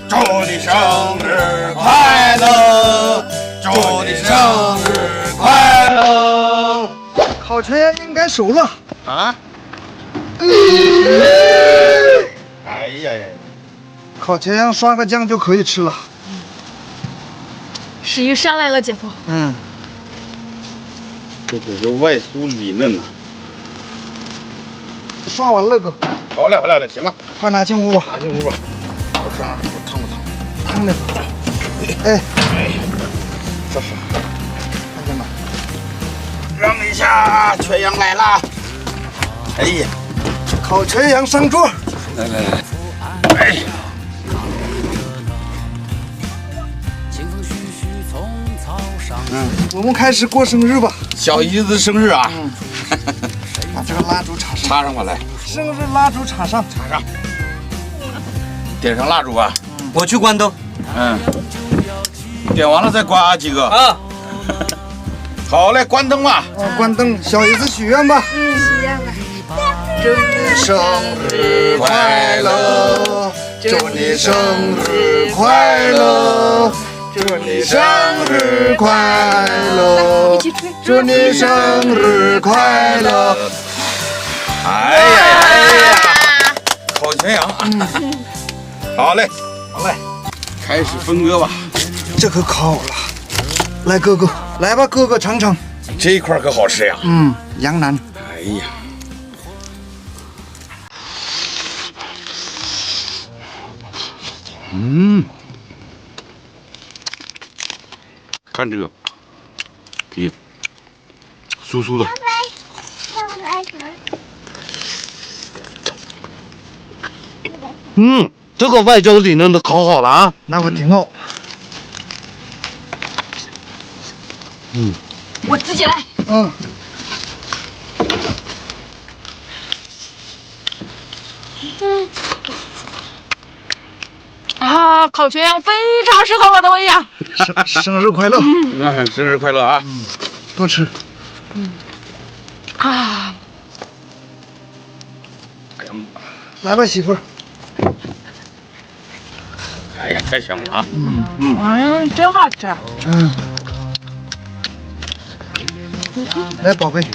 祝你生日快乐，祝你生日快乐。 烤全羊应该熟了啊！哎呀呀！ 烤全羊刷个酱就可以吃了。 食欲上来了，姐夫。 嗯， 这可是外酥里嫩呐。 刷完了哥。 好了好了，行了， 快拿进屋吧。 拿进屋吧。我看看我烫不烫？ 烫的。哎， 这是。 看见吗？ 让一下，全羊来了。哎呀， 烤全羊上桌。 来来来，哎。 我们开始过生日吧。 小姨子生日啊！ 把这个蜡烛插上。 插上吧，来， 生日蜡烛插上。 插上。点上蜡烛啊！ 我去关灯。 嗯。点完了再刮几个。 啊。 好嘞，关灯吧。 关灯，小姨子许愿吧。 许愿吧。 祝你生日快乐，祝你生日快乐，祝你生日快乐，祝你生日快乐。 哎呀哎呀！烤全羊。好嘞，好嘞，开始分割吧。 这可烤了，来哥哥，来吧哥哥尝尝。 这一块可好吃呀。 羊腩。 哎呀。看这个，皮酥酥的。 这个外焦里嫩的烤好了啊， 那我挺好。 我自己来。啊，烤全羊非常适合我的胃呀！ 生日快乐！ 那生日快乐啊！ 多吃。 啊， 来吧媳妇儿。 哎呀，太香了啊！ 真好吃。 来宝贝。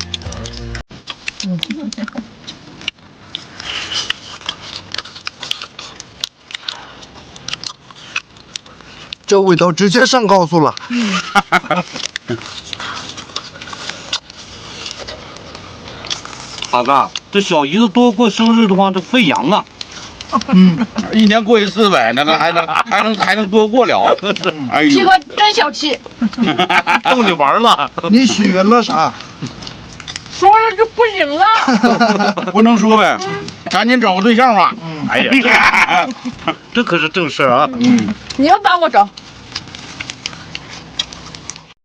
这味道直接上高速了。 大哥，这小姨子多过生日的话，这费羊啊。 一年过一次呗，那个还能多过了。哎呦， 这个真小气。 逗你玩了。 你许愿了啥？ 说了就不行了。 不能说呗，赶紧找个对象吧。哎呀， 这可是正事啊。 你要帮我找。